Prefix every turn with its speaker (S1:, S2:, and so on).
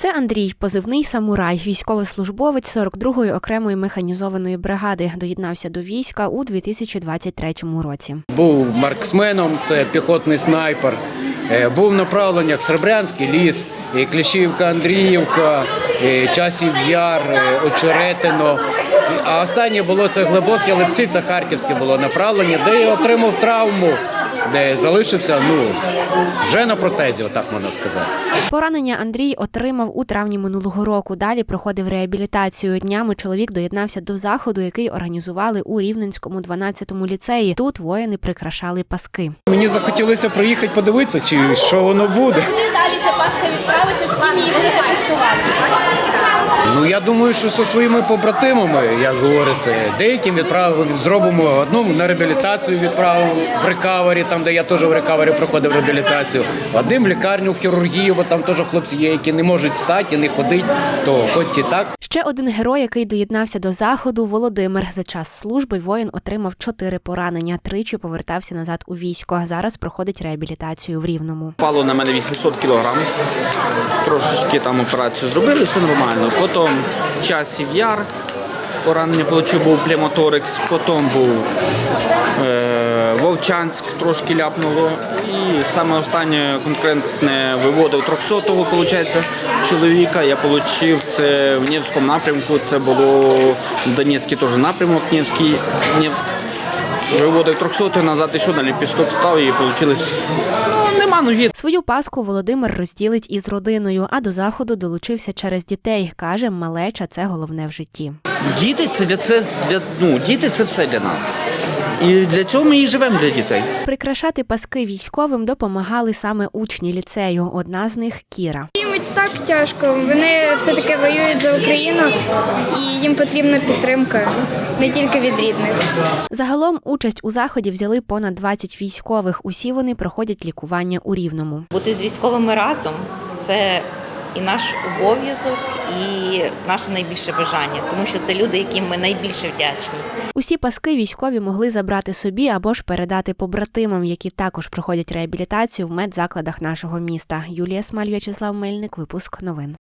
S1: Це Андрій, позивний «Самурай», військовослужбовець 42-ї окремої механізованої бригади. Доєднався до війська у 2023 році.
S2: Був марксменом, це піхотний снайпер. Був в направленнях Серебрянський ліс, Кліщівка, Андріївка, Часів Яр, Очеретино. А останнє було це Глибокі Липці, це Харківське було направлення, де я отримав травму, де залишився, вже на протезі, отак можна сказати.
S1: Поранення Андрій отримав у травні минулого року. Далі проходив реабілітацію. Днями чоловік доєднався до заходу, який організували у Рівненському 12-му ліцеї. Тут воїни прикрашали паски.
S2: Мені захотілося приїхати подивитися, чи що воно буде.
S3: Куди далі ця паска відправиться, з ким її будете куштувати?
S2: Я думаю, що зі своїми побратимами, як говориться, деяким зробимо одну на реабілітацію відправимо в рекавері, там, де я теж в рекавері проходив реабілітацію, одним в лікарню, в хірургію, бо там теж хлопці є, які не можуть встати і не ходити, то хоч і так.
S1: Ще один герой, який доєднався до заходу – Володимир. За час служби воїн отримав 4 поранення, тричі повертався назад у військо. Зараз проходить реабілітацію в Рівному.
S4: Впало на мене 800 кілограм, трошечки там операцію зробили, все нормально. Потім Часів Яр, поранення отримав, був племоторекс, потім був Вовчанськ, трошки ляпнуло. І саме останнє конкретне виводив 300-го, виходить, чоловіка. Я отримав це в Невському напрямку, це було Донецький теж напрямок, Невськ. Виводив 300-го, назад ще на ліпісток став і вийшло, нема ноги.
S1: Свою паску Володимир розділить із родиною, а до заходу долучився через дітей. Каже, малеча – це головне в житті.
S4: Діти – це все для нас. І для цього ми і живемо для дітей.
S1: Прикрашати паски військовим допомагали саме учні ліцею. Одна з них – Кіра.
S5: Їм і так тяжко. Вони все-таки воюють за Україну і їм потрібна підтримка, не тільки від рідних.
S1: Загалом участь у заході взяли понад 20 військових. Усі вони проходять лікування у Рівному.
S6: Бути з військовими разом – це і наш обов'язок, і наше найбільше бажання, тому що це люди, яким ми найбільше вдячні.
S1: Усі паски військові могли забрати собі або ж передати побратимам, які також проходять реабілітацію в медзакладах нашого міста. Юлія Смаль, В'ячеслав Мельник, випуск новин.